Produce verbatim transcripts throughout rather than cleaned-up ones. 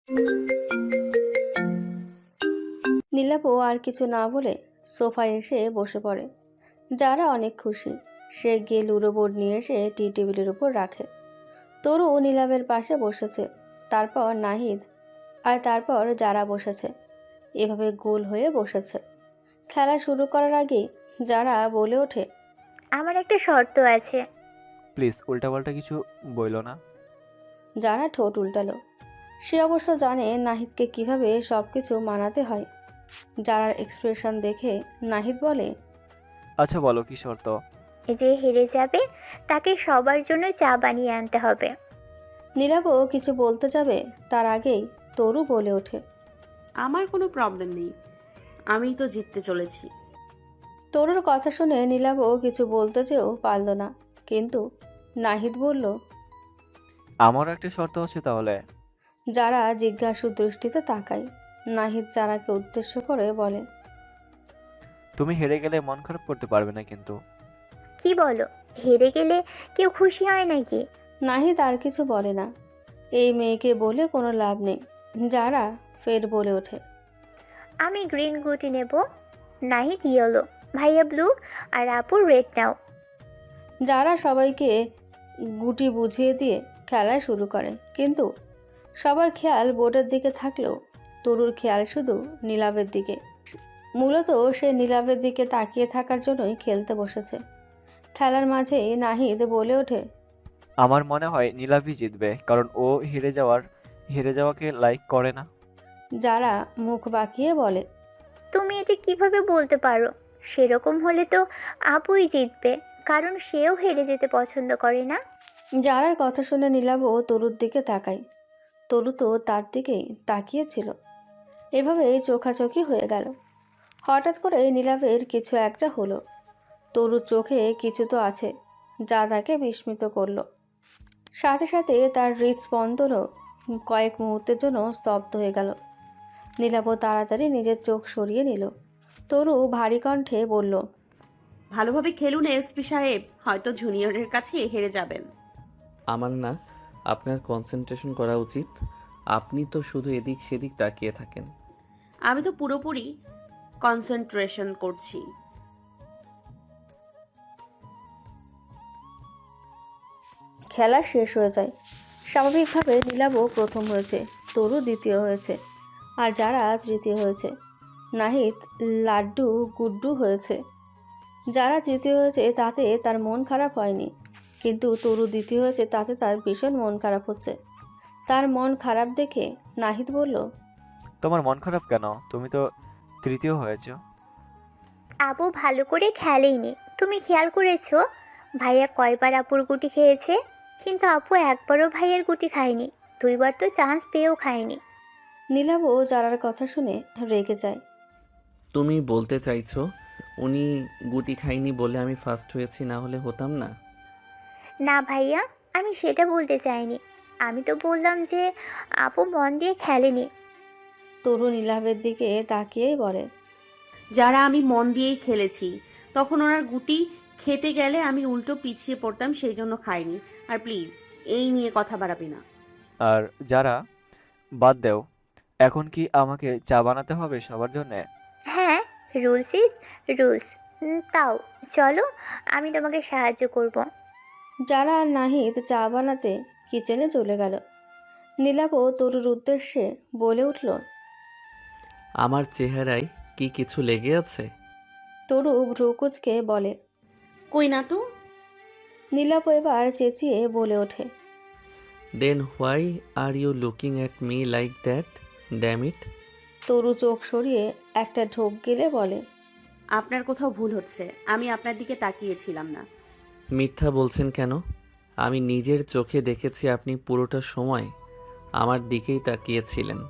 নীলাপও আর কিছু না বলে সোফায় এসে বসে পড়ে। যারা অনেক খুশি। সে গিয়ে লুডো বোর্ড নিয়ে এসে টি টেবিলের উপর রাখে। তরু নীলাভের পাশে বসেছে, তারপর নাহিদ, আর তারপর যারা বসেছে। এভাবে গোল হয়ে বসেছে। খেলা শুরু করার আগেই যারা বলে ওঠে, আমার একটা শর্ত আছে। প্লিজ উল্টাপাল্টা কিছু বইলো না। যারা ঠোঁট উল্টালো। সে অবশ্য জানে নাহিদকে কিভাবে সব কিছু মানাতে হয়। যারার এক্সপ্রেশন দেখে নাহিদ বলে, আচ্ছা বলো কি শর্ত? যে হেরে যাবে তাকে সবার জন্য চা বানিয়ে আনতে হবে। নীলাবও কিছু বলতে যাবে, তার আগেই তরু বলে ওঠে, আমার কোনো প্রবলেম নেই, আমিই তো জিততে চলেছি। তরুর কথা শুনে নীলাবও কিছু বলতে চেয়েও পারল না, কিন্তু নাহিদ বলল। আমারও একটা শর্ত আছে তাহলে। যারা জিজ্ঞাসু দৃষ্টিতে তাকায়। নাহিদ যারাকে উদ্দেশ্য করে বলে, তুমি হেরে গেলে মন খারাপ করতে পারবে না কিন্তু। কি বলো, হেরে গেলে কেউ খুশি হয় নাকি? নাহিদ আর কিছু বলে না। এই মেয়েকে বলে কোনো লাভ নেই। যারা ফের বলে ওঠে, আমি গ্রিন গুটি নেব, নাহিদ ইয়েলো, ভাইয়া ব্লু, আর আপু রেড নাও। যারা সবাইকে গুটি বুঝিয়ে দিয়ে খেলা শুরু করে, কিন্তু সবার খেয়াল বোর্ডের দিকে থাকলেও তরুর খেয়াল শুধু নীলাভের দিকে। মূলত সে নীলাভের দিকে তাকিয়ে থাকার জন্যই খেলতে বসেছে। খেলার মাঝেই নাহিদ বলে ওঠে, আমার মনে হয় নীলাভই জিতবে, কারণ ও হেরে যাওয়ার হেরে যাওয়াকে লাইক করে না। যারা মুখ বাঁকিয়ে বলে, তুমি এটা কিভাবে বলতে পারো? সেরকম হলে তো আপুই জিতবে, কারণ সেও হেরে যেতে পছন্দ করে না। যারার কথা শুনে নীলাভও তরুর দিকে তাকায়। তরু তো তার দিকেই তাকিয়েছিল। এভাবেই চোখাচোখি হয়ে গেল। হঠাৎ করে নীলাভের কিছু একটা হলো। তরুর চোখে কিছু তো আছে, যা তাকে বিস্মিত করলো। সাথে সাথে তার হৃদস্পন্দনও কয়েক মুহূর্তের জন্য স্তব্ধ হয়ে গেল। নীলাভ তাড়াতাড়ি নিজের চোখ সরিয়ে নিল। তরু ভারী কণ্ঠে বলল, ভালোভাবে খেলুন এসপি সাহেব, হয়তো জুনিয়রের কাছে হেরে যাবেন। আমার না আপনার কনসেন্ট্রেশন করা উচিত। আপনি তো শুধু এদিক সেদিক তাকিয়ে থাকেন। আমি তো পুরোপুরি কনসেন্ট্রেশন করছি। খেলা শেষ হয়ে যায়। স্বাভাবিকভাবে নীলাভও প্রথম হয়েছে, তরু দ্বিতীয় হয়েছে, আর যারা তৃতীয় হয়েছে। নাহিদ লাড্ডু গুড্ডু হয়েছে। যারা তৃতীয় হয়েছে তাতে তার মন খারাপ হয়নি, কিন্তু তরু দ্বিতীয় হয়েছে তাতে তার ভীষণ মন খারাপ হচ্ছে। তার মন খারাপ দেখে নাহিদ বলল, তোমার মন খারাপ কেন? তুমি তো তৃতীয় হয়েছো। আপু ভালো করে খেলেইনি। তুমি খেয়াল করেছো ভাইয়া কয়বার আপুর গুটি খেয়েছে? কিন্তু আপু একবারও ভাইয়ের গুটি খায়নি, দুইবার তো চান্স পেয়েও খায়নি। নীলাভও যারার কথা শুনে রেগে যায়। তুমি বলতে চাইছো উনি গুটি খাইনি বলে আমি ফার্স্ট হয়েছি, না হলে হতাম না? না ভাইয়া, আমি সেটা বলতে চাইনি। আমি তো বললাম যে আপু মন দিয়ে খেলেনি। তরু নীলাভের দিকে তাকিয়েই বলে, যারা আমি মন দিয়েই খেলেছি, তখন ওনার গুটি খেতে গেলে আমি উল্টো পিছিয়ে পড়তাম, সেই জন্য খাইনি। আর প্লিজ এই নিয়ে কথা বাড়াবি না। আর যারা, বাদ দেও। এখন কি আমাকে চা বানাতে হবে সবার জন্যে? হ্যাঁ, রুলস ইজ রুলস। তাও চলো, আমি তোমাকে সাহায্য করব। যারা আর নাহিদ চা বানাতে কিচেনে চলে গেল। নীলাভও তরুর উদ্দেশ্যে বলে উঠল, আমার চেহারায় কি কিছু লেগে আছে? তরু ভ্রুকুচকে বলে। কই না তো। নীলাভ এবার চেঁচিয়ে বলে ওঠে, then why are you looking at me like that, damn it? Taru চোখ সরিয়ে একটা ঢোক গিলে বলে, আপনার কোথাও ভুল হচ্ছে, আমি আপনার দিকে তাকিয়েছিলাম না। মিথ্যা বলছেন কেন? আমি নিজের চোখে দেখেছি আপনি পুরোটা সময় আমার দিকেই তাকিয়েছিলেন।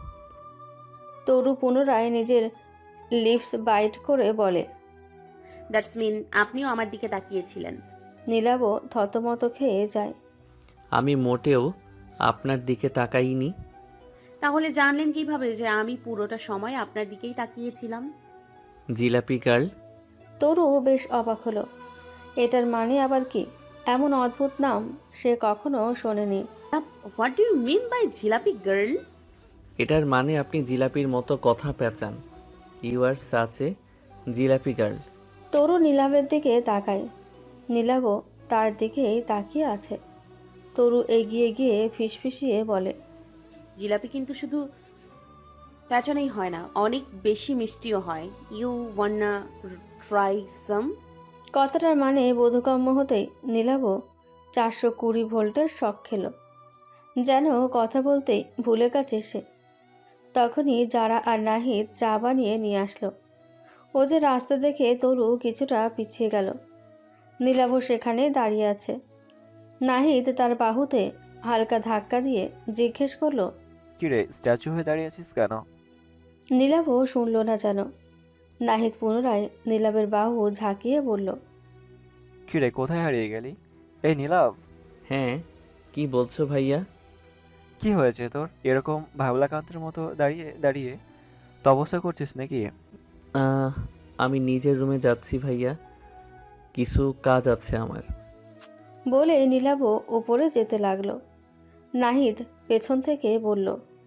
তরু পুনরায় নিজের লিপস বাইট করে বলে। দ্যাটস মিন আপনিও আমার দিকে তাকিয়েছিলেন। নীলাভও থতমত খেয়ে যায়। আমি মোটেও আপনার দিকে তাকাইনি। তাহলে জানলেন কিভাবে যে আমি পুরোটা সময় আপনার দিকেই তাকিয়েছিলাম? জিলাপি গার্ল। তরু বেশ অবাক হলো। এটার মানে আবার কি? এমন অদ্ভুত নাম সে কখনো শোনেনি। What do you mean by jalebi girl? এটার মানে আপনি জিলাপির মতো কথা পেঁচান। You are such a jalebi girl. Taru নীলাভের দিকে তাকায়। নীলাভও তার দিকেই তাকিয়ে আছে। তরু এগিয়ে গিয়ে ফিসফিসিয়ে বলে, জিলাপি কিন্তু শুধু প্যাঁচানোই হয় না, অনেক বেশি মিষ্টিও হয়। You wanna try some? কথাটার মানে বোধগম্য হতেই নীলাভও চারশো কুড়ি ভোল্টের শক খেল। যেন কথা বলতেই ভুলে গেছে সে। তখনই যারা আর নাহিদ চা বানিয়ে নিয়ে আসলো। ও যে রাস্তা দেখে তরু কিছুটা পিছিয়ে গেল। নীলাভ সেখানে দাঁড়িয়ে আছে। নাহিদ তার বাহুতে হালকা ধাক্কা দিয়ে জিজ্ঞেস করলো, কিরে, স্ট্যাচু হয়ে দাঁড়িয়ে আছিস কেন? নীলাভও শুনল না যেন। নাহিদ পুনরায় নীলাভের বাহু ঝাঁকিয়ে বলল, কিরে, কোথায় হারিয়ে গেলি? এই নীলাভ, হ্যাঁ, কি বলছো ভাইয়া? কি হয়েছে তোর? এরকম ভাবলাকান্তের মতো দাঁড়িয়ে দাঁড়িয়ে তপস্যা করছিস নাকি? আহ, আমি নিজের রুমে যাচ্ছি ভাইয়া, কিছু কাজ আছে আমার। বলে নীলাভও উপরে যেতে লাগলো। নাহিদ পেছন থেকে বলল,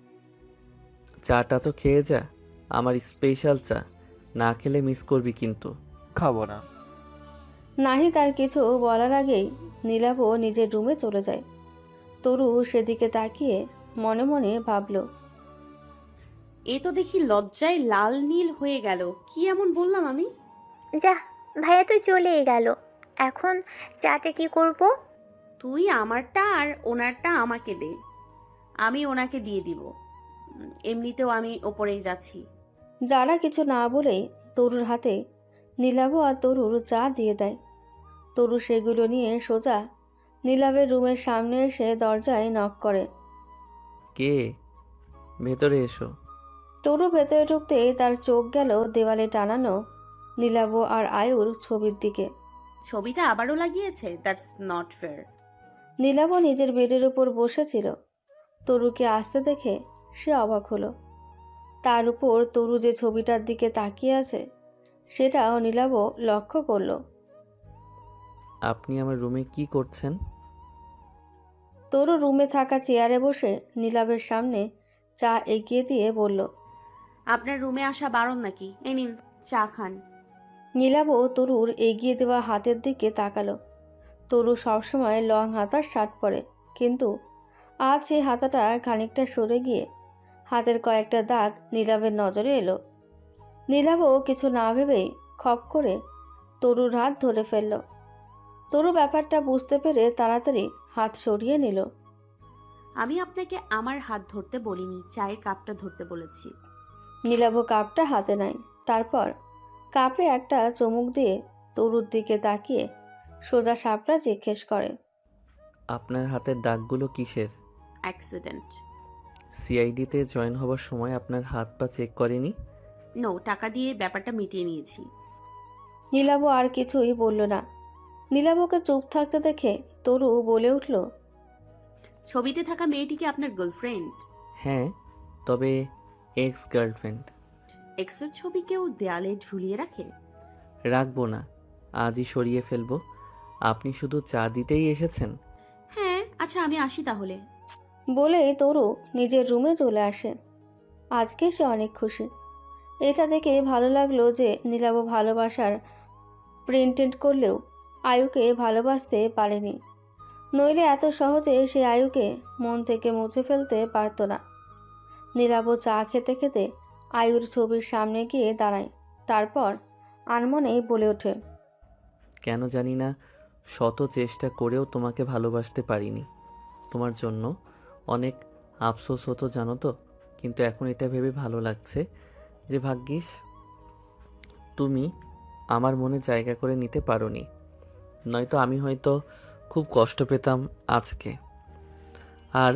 চাটা তো খেয়ে যা, আমার স্পেশাল চা, না খেলে মিস করবি কিন্তু। খাবো না। নাহিদ আর কিছু বলার আগেই নীলাভও নিজের রুমে চলে যায়। তরু সেদিকে তাকিয়ে মনে মনে ভাবল, এ তো দেখি লজ্জায় লাল নীল হয়ে গেল। কি এমন বললাম আমি? যা, ভাইয়া তো চলেই গেল, এখন চাটা কি করব? তুই আমারটা আর ওনারটা আমাকে দে, আমি ওনাকে দিয়ে দিব। উম, এমনিতেও আমি ওপরেই যাচ্ছি। যারা কিছু না বলেই তরুর হাতে নীলাভ আর তরুর চা দিয়ে দেয়। তরু সেগুলো নিয়ে সোজা নীলাভের রুমের সামনে এসে দরজায় নক করে। কে? ভেতরে এসো। তরু ভেতরে ঢুকতেই তার চোখ গেল দেওয়ালে টানানো নীলাভ আর আয়ুর ছবির দিকে। ছবিটা আবারও লাগিয়েছে? That's not fair. নীলাভ নিজের বেডের উপর বসেছিল। তরুকে আসতে দেখে সে অবাক হলো। তার উপর তরু যে ছবিটার দিকে তাকিয়ে আছে সেটাও নীলাভ লক্ষ্য করলো। আপনি আমার রুমে কি করছেন? তরু রুমে থাকা চেয়ারে বসে নীলাভের সামনে চা এগিয়ে দিয়ে বলল, আপনার রুমে আসা বারণ নাকি? এই নিন চা খান। নীলাভ তরুর এগিয়ে দেওয়া হাতের দিকে তাকালো। তরু সবসময় লং হাতার শার্ট পরে, কিন্তু আজ সেই হাতাটা খানিকটা সরে গিয়ে হাতের কয়েকটা দাগ নীলাভের নজরে এলো। নীলাভও কিছু না ভেবেই খপ করে তরুর হাত ধরে ফেলল। তরু ব্যাপারটা বুঝতে পেরে তাড়াতাড়ি হাত সরিয়ে নিল। আমি আপনাকে আমার হাত ধরতে বলিনি, চায়ের কাপটা ধরতে বলেছি। নীলাভ কাপটা হাতে নেয়। তারপর কাপে একটা চুমুক দিয়ে তরুর দিকে তাকিয়ে সোজা সাপটা জিজ্ঞেস করে, আপনার হাতের দাগগুলো কিসের? অ্যাক্সিডেন্ট। সিআইডিতে জয়েন হবার সময় আপনার হাত পা চেক করেনি? নো, টাকা দিয়ে ব্যাপারটা মিটিয়ে নিয়েছি। নীলাভ আর কিছুই বলল না। নীলাভকে চুপ থাকতে দেখে তরু বলে উঠল, ছবিতে থাকা মেয়েটিকে আপনার গার্লফ্রেন্ড? হ্যাঁ, তবে এক্স গার্লফ্রেন্ড। এক্সের ছবি কেউ দেয়ালে ঝুলিয়ে রাখে? রাখবো না, আজই সরিয়ে ফেলবো। আপনি শুধু চা দিতেই এসেছেন? হ্যাঁ, আচ্ছা আমি আসি তাহলে। বলেই তরু নিজের রুমে চলে আসে। আজকে সে অনেক খুশি। এটা দেখে ভালো লাগলো যে নীলাভ ভালোবাসার প্রিন্টেড করলেও আয়ুকে ভালোবাসতে পারেনি। নইলে এত সহজে সে আয়ুকে মন থেকে মুছে ফেলতে পারত না। নীলাভ চা খেতে খেতে আয়ুর ছবির সামনে গিয়ে দাঁড়ায়। তারপর আনমনেই বলে ওঠে, কেন জানি না, শত চেষ্টা করেও তোমাকে ভালোবাসতে পারিনি। তোমার জন্য অনেক আফসোস হতো জানো তো, কিন্তু এখন এটা ভেবে ভালো লাগছে যে ভাগ্যিস তুমি আমার মনে জায়গা করে নিতে পারোনি, নয়তো আমি হয়তো খুব কষ্ট পেতাম আজকে। আর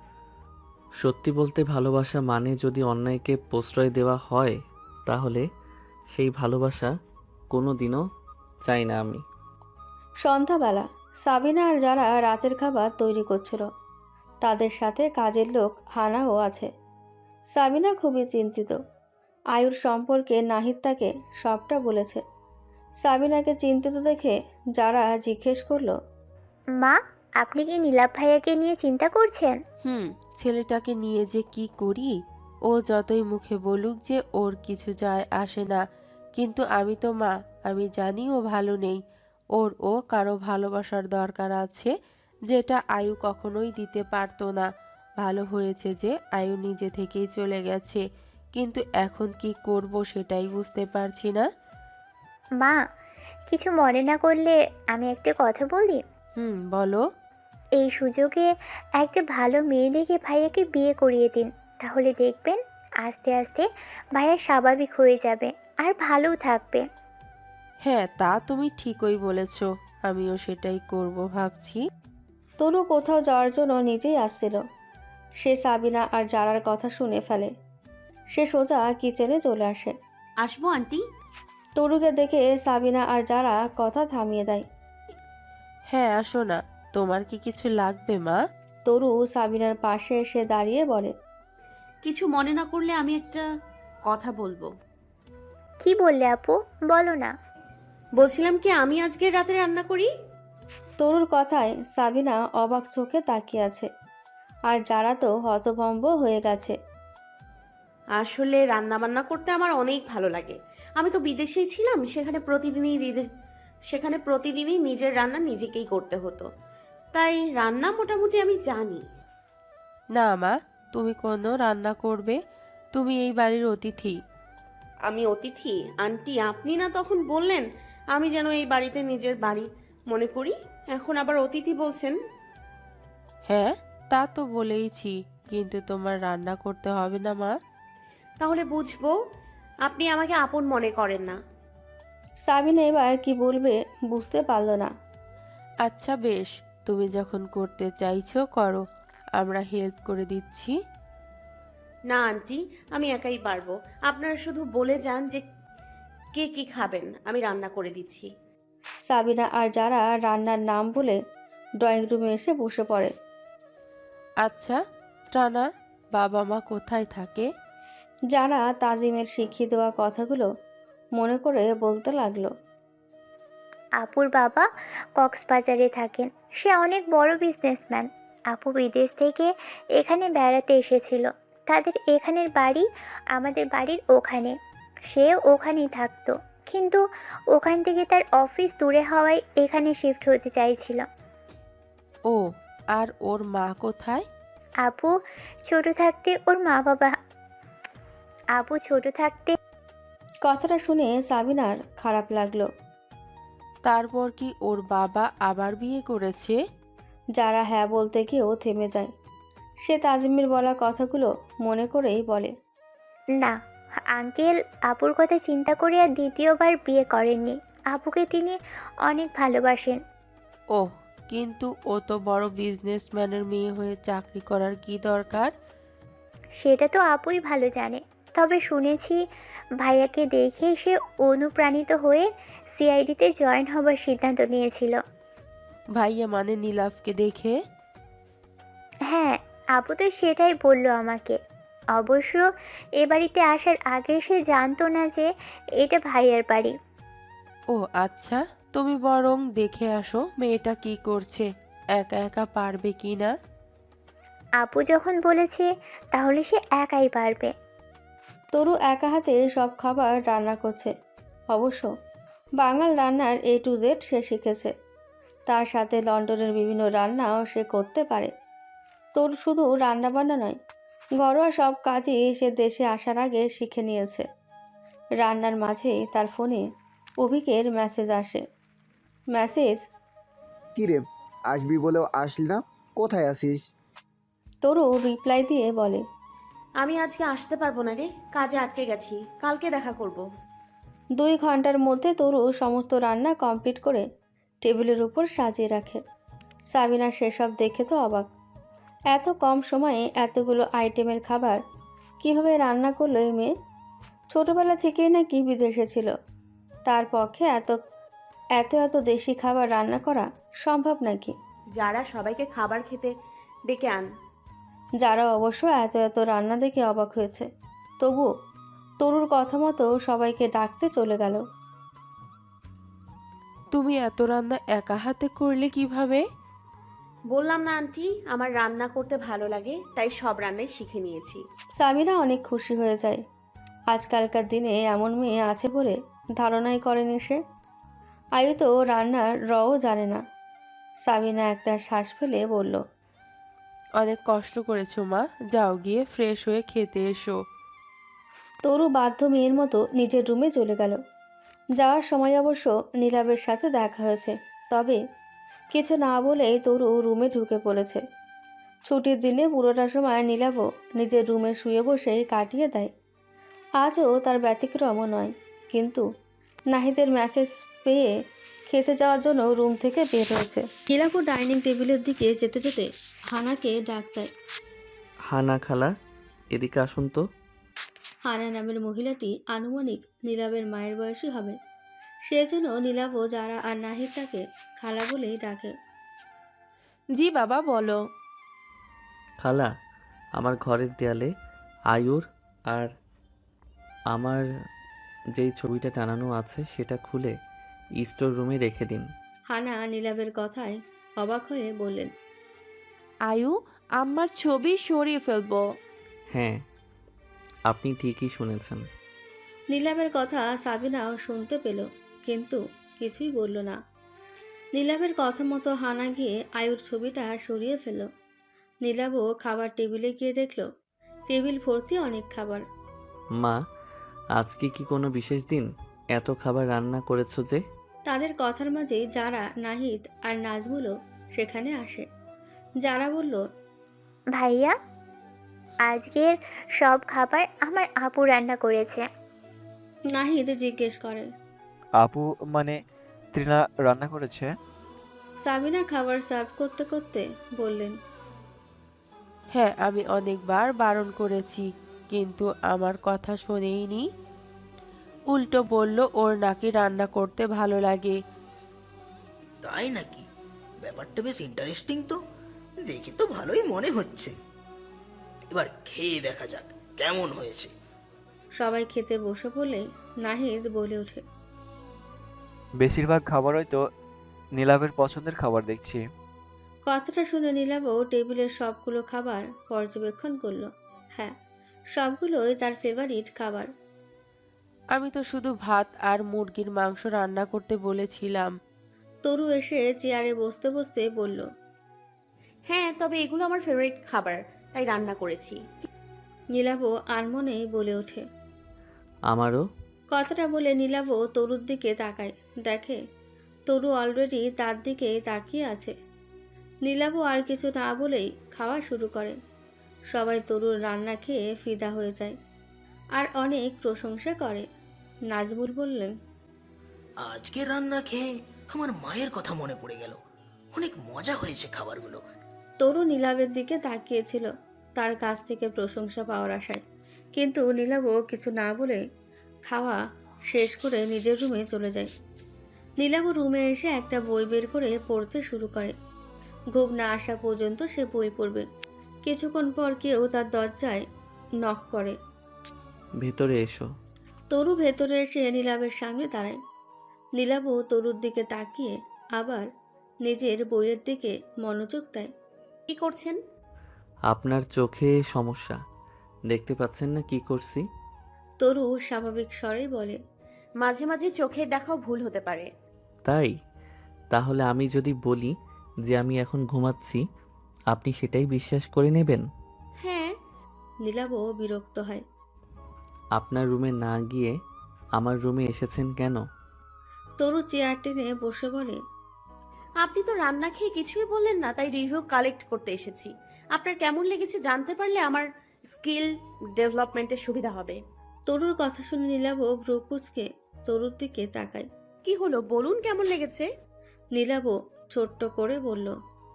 সত্যি বলতে, ভালোবাসা মানে যদি অন্যায়কে প্রশ্রয় দেওয়া হয়, তাহলে সেই ভালোবাসা কোনো দিনও চাই না আমি। সন্ধ্যাবেলা সাবিনা আর যারা রাতের খাবার তৈরি করছিল তাদের সাথে কাজের লোক হানাও আছে। সাবিনা খুবই চিন্তিত। আয়ুর সম্পর্কে নাহিদ তাকে সবটা বলেছে। সাবিনাকে চিন্তিত দেখে যারা জিজ্ঞেস করলো, মা, আপনি কি নীলাভ ভাইয়াকে নিয়ে চিন্তা করছেন? হুম ছেলেটাকে নিয়ে যে কি করি ও যতই মুখে বলুক যে ওর কিছু যায় আসে না, কিন্তু আমি তো মা, আমি জানি ও ভালো নেই। ওর ও কারো ভালোবাসার দরকার আছে, যেটা আয়ু কখনোই দিতে পারতো না। ভালো হয়েছে যে আয়ু নিজে থেকেই চলে গেছে, কিন্তু এখন কি করব সেটাই বুঝতে পারছি না। মা, কিছু মনে না করলে আমি একটা কথা বলি? হুম, বলো। এই সুযোগে একটা ভালো মেয়ে দেখে ভাইয়াকে বিয়ে করিয়ে দিন, তাহলে দেখবেন আস্তে আস্তে ভাইয়া স্বাভাবিক হয়ে যাবে আর ভালোও থাকবে। হ্যাঁ, তা তুমি ঠিকই বলেছ, আমিও সেটাই করব ভাবছি। তনু কোথাও যাওয়ার জন্য নিজেই আসছিল। সে সাবিনা আর জারার কথা শুনে ফেলে। সে সোজা কিচেনে চলে আসে। আসবো আন্টি? তরুকে দেখে সাবিনা আর যারা কথা থামিয়ে দেয়। হ্যাঁ, আসো না। তোমার কি কিছু লাগবে মা? তরু সাবিনার পাশে এসে দাঁড়িয়ে বলে। কিছু মনে না করলে আমি একটা কথা বলবো। কি বললে আপু, বলো না। বলছিলাম কি, আমি আজকে রাতে রান্না করি। তরুর কথায় সাবিনা অবাক চোখে তাকিয়ে আছে, আর যারা তো হতভম্ব হয়ে গেছে। আসলে রান্না বান্না করতে আমার অনেক ভালো লাগে। আমি তো বিদেশেই ছিলাম, সেখানে প্রতিদিনই রিদে- সেখানে প্রতিদিনই নিজের রান্না নিজেকেই করতে হতো, তাই রান্না মোটামুটি আমি জানি। না মা, তুমি কোনো রান্না করবে? তুমি এই বাড়ির অতিথি। আমি অতিথি? আন্টি, আপনি না তখন বললেন আমি যেন এই বাড়িতে নিজের বাড়ি মনে করি, এখন আবার অতিথি বলছেন? হ্যাঁ, তা তো বলেইছি, কিন্তু তোমার রান্না করতে হবে না মা। তাহলে বুঝবো আপনি আমাকে আপন মনে করেন না। সাবিনা এবার কি বলবে বুঝতে পারল না। আচ্ছা বেশ, তুমি যখন করতে চাইছো করো, আমরা হেল্প করে দিচ্ছি। না আন্টি, আমি একাই পারবো। আপনারা শুধু বলে যান যে কে কি খাবেন, আমি রান্না করে দিচ্ছি। সাবিনা আর যারা রান্নার নাম বলে ড্রয়িং রুমে এসে বসে পড়ে। আচ্ছা ত্রানা, বাবা মা কোথায় থাকে? যারা তাজিমের শিখিয়ে দেওয়া কথাগুলো মনে করে বলতে লাগলো। আপুর বাবা কক্সবাজারে থাকেন, সে অনেক বড় বিজনেসম্যান। আপু বিদেশ থেকে এখানে বেড়াতে এসেছিল, তাদের এখানের বাড়ি আমাদের বাড়ির ওখানে। সে ওখানেই থাকতো, কিন্তু ওখান থেকে তার অফিস দূরে হওয়ায় এখানে শিফট হতে চাইছিল। ও, আর ওর মা কোথায়? আপু ছোট থাকতে ওর মা বাবা আপু ছোট থাকতে কথাটা শুনে সাবিনার খারাপ লাগলো। তারপর কি ওর বাবা আবার বিয়ে করেছে? যারা হ্যাঁ বলতে গিয়েও থেমে যায়। সে তাজিমের বলা কথাগুলো মনে করেই বলে। না, আঙ্কেল আপুর কথা চিন্তা করে আর দ্বিতীয়বার বিয়ে করেননি। আপুকে তিনি অনেক ভালোবাসেন। ওহ, কিন্তু ও তো বড় বিজনেসম্যানের মেয়ে হয়ে চাকরি করার কি দরকার? সেটা তো আপুই ভালো জানে, তবে শুনেছি ভাইয়াকে দেখে সে অনুপ্রাণিত হয়ে সিআইডিতে জয়েন হবার সিদ্ধান্ত নিয়েছিল। ভাইয়া মানে নীলাভকে দেখে? হ্যাঁ, আপু তো সেটাই বলল আমাকে। অবশ্য এ বাড়িতে আসার আগে সে জানতো না যে এটা ভাইয়ার বাড়ি। ও আচ্ছা, তুমি বরং দেখে আসো মেয়েটা কি করছে, একা একা পারবে কি না। আপু যখন বলেছে তাহলে সে একাই পারবে। তরু একা হাতে সব খাবার রান্না করছে। অবশ্য বাঙাল রান্নার এ টু জেড সে শিখেছে। তার সাথে লন্ডনের বিভিন্ন রান্নাও সে করতে পারে। তরু শুধু রান্না বান্না নয়, ঘরোয়া সব কাজই সে দেশে আসার আগে শিখে নিয়েছে। রান্নার মাঝেই তার ফোনে অভিকের মেসেজ আসে। মেসেজ। কিরে, আসবি বলেও আসলি না, কোথায় আছিস? তরু রিপ্লাই দিয়ে বলে। আমি আজকে আসতে পারবো না রে, কাজে আটকে গেছি, কালকে দেখা করব। দুই ঘন্টার মধ্যে তরু সমস্ত রান্না কমপ্লিট করে টেবিলের উপর সাজিয়ে রাখে। সাবিনা সেসব দেখে তো অবাক। এত কম সময়ে এতগুলো আইটেমের খাবার কিভাবে রান্না করলো এই মেয়ে? ছোটবেলা থেকেই নাকি বিদেশে ছিল, তার পক্ষে এত এত এত দেশি খাবার রান্না করা সম্ভব নাকি? যারা সবাইকে খাবার খেতে ডেকে আন। যারা অবশ্য এত এত রান্না দেখে অবাক হয়েছে, তবু তরুর কথা মতো সবাইকে ডাকতে চলে গেল। তুমি এত রান্না একা হাতে করলে কিভাবে? বললাম না আন্টি, আমার রান্না করতে ভালো লাগে, তাই সব রান্নাই শিখে নিয়েছি। সামিরা অনেক খুশি হয়ে যায়। আজকালকার দিনে এমন মেয়ে আছে বলে ধারণাই করেনি সে। আয়ু তো রান্নার রও জানে না। সাবিনা একটা শ্বাস ফেলে বলল, অনেক কষ্ট করেছো মা, যাও গিয়ে ফ্রেশ হয়ে খেতে এসো। তরু বাধ্য মেয়ের মতো নিজের রুমে চলে গেল। যাওয়ার সময় অবশ্য নীলাবের সাথে দেখা হয়েছে, তবে কিছু না বলেই তরু রুমে ঢুকে পড়েছে। ছুটির দিনে পুরোটা সময় নীলাবও নিজের রুমে শুয়ে বসেই কাটিয়ে দেয়। আজও তার ব্যতিক্রমও নয়, কিন্তু নাহিদের মেসেজ পেয়ে খেতে যাওয়ার জন্য রুম থেকে বের হয়েছে। নীলাবও ডাইনিং টেবিলের দিকে যেতে যেতে হানাকে ডাক দেয়। হানা খালা, এদিকে আসুন তো। হানা নামের মহিলাটি আনুমানিক নীলাবের মায়ের বয়সী হবে। সেজন্য নীলাবও যারা আর নাহিদ তাকে খালা বলেই ডাকে। জি বাবা, বলো। খালা, আমার ঘরের দেয়ালে আয়ুর আর আমার যেই ছবিটা টানানো আছে সেটা খুলে স্টোর রুমে রেখে দিন। হানা নীলাবের কথায় অবাক হয়ে বললেন, আয়ু, আমার ছবি সরিয়ে ফেলবো? হ্যাঁ, আপনি ঠিকই শুনেছেন। নীলাবের কথা সাবিনাও শুনতে পেল, কিন্তু কিছুই বলল না। নীলাবের কথা মতো হানা গিয়ে আয়ুর ছবিটা সরিয়ে ফেলল। নীলাবও খাবার টেবিলে গিয়ে দেখল টেবিল ভর্তি অনেক খাবার। মা, আজকে কি কোনো বিশেষ দিন? এত খাবার রান্না করেছো যে? তাদের কথার মাঝে যারা, নাহিদ আর নাজমুলও সেখানে আসে। যারা বলল, ভাইয়া, আজকের সব খাবার আমার আপু রান্না করেছে। নাহিদ জিজ্ঞেস করে, আপু মানে তৃণা রান্না করেছে? সাবিনা খাবার সার্ভ করতে করতে বললেন, হ্যাঁ, আমি অনেকবার বারণ করেছি, কিন্তু আমার কথা শোনেইনি। উল্টো বলল ওর নাকি রান্না করতে ভালো লাগে। তাই নাকি? ব্যাপারটা বেশ ইন্টারেস্টিং তো। দেখে তো ভালোই মনে হচ্ছে। এবার খেয়ে দেখা যাক কেমন হয়েছে। সবাই খেতে বসে পড়লেই নাহিদ বলে ওঠে, বেশিরভাগ খাবারই তো নীলাভের পছন্দের খাবার দেখছি। কথাটা শুনে নীলাবও টেবিলের সবগুলো খাবার পর্যবেক্ষণ করলো। হ্যাঁ, সবগুলোই তার ফেভারিট খাবার। আমি তো শুধু ভাত আর মুরগির মাংস রান্না করতে বলেছিলাম। তরু এসে চেয়ারে বসতে বসতে বলল, হ্যাঁ, তবে এগুলো আমার ফেভারিট খাবার, তাই রান্না করেছি। নীলাবও আনমনেই বলে ওঠে। আমারও। কথাটা বলে নীলাবও তরুর দিকে তাকায়, দেখে তরু অলরেডি তার দিকে তাকিয়ে আছে। নীলাবও আর কিছু না বলেই খাওয়া শুরু করে। সবাই তরুর রান্না খেয়ে ফিদা হয়ে যায় আর অনেক প্রশংসা করে। নাজমুল বললেন, আজকে রান্না খেয়ে আমার মায়ের কথা মনে পড়ে গেল। অনেক মজা হয়েছে খাবারগুলো। তরু নীলাবের দিকে তাকিয়েছিল তার কাছ থেকে প্রশংসা পাওয়ার আশায়, কিন্তু নীলাবও কিছু না বলে খাওয়া শেষ করে নিজের রুমে চলে যায়। নীলাবও রুমে এসে একটা বই বের করে পড়তে শুরু করে। ঘুম না আসা পর্যন্ত সে বই পড়বে। কিছুক্ষণ পর কেউ তার দরজায় নক করে। ভেতরে এসো। তরু ভেতরে এসে নীলাবের সামনে দাঁড়ায়। নীলাবও তরুর দিকে তাকিয়ে আবার নিজের বইয়ের দিকে মনোযোগ দেয়। কি করছেন? আপনার চোখে সমস্যা, দেখতে পাচ্ছেন না কি করছি? তরু স্বাভাবিক স্বরেই বলে, মাঝে মাঝে চোখের দেখাও ভুল হতে পারে। তাই? তাহলে আমি যদি বলি যে আমি এখন ঘুমাচ্ছি, আপনি সেটাই বিশ্বাস করে নেবেন? হ্যাঁ। নীলাবও বিরক্ত হয়। আপনার রুমে না গিয়ে আমার রুমে এসেছেন কেন? তরু চেয়ার টেনে বসে বলে, আপনি তো রান্না খেয়ে কিছুই বললেন না, তাই রিভিউ কালেক্ট করতে এসেছি। আপনার কেমন লেগেছে জানতে পারলে আমার স্কিল ডেভেলপমেন্টের সুবিধা হবে। তরুর কথা শুনে নীলাবও ভ্রু কুঁচকে তরুর দিকে তাকায়। কি হলো, বলুন কেমন লেগেছে। নীলাবও ছোট্ট করে বলল,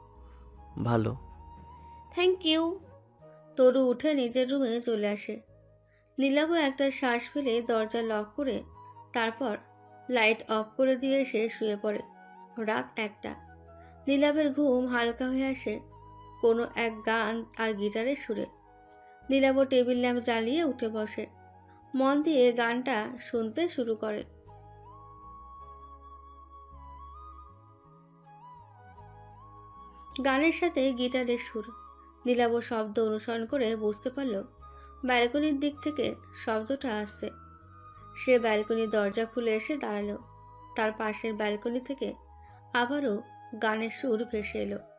ভালো। Thank you. তরু উঠে নিজের রুমে চলে আসে। নীলাবও একটা শ্বাস ফেলে দরজা লক করে তারপর লাইট অফ করে দিয়ে এসে শুয়ে পড়ে। রাত একটা। নীলাবের ঘুম হালকা হয়ে আসে কোনো এক গান আর গিটারের সুরে। নীলাবও টেবিল ল্যাম্প জ্বালিয়ে উঠে বসে, মন দিয়ে গানটা শুনতে শুরু করে। গানের সাথে গিটারের সুর। নীলাভ শব্দ অনুসরণ করে বুঝতে পারল ব্যালকনির দিক থেকে শব্দটা আসছে। সে ব্যালকনির দরজা খুলে এসে দাঁড়ালো। তার পাশের ব্যালকনি থেকে আবারও গানের সুর ভেসে এলো।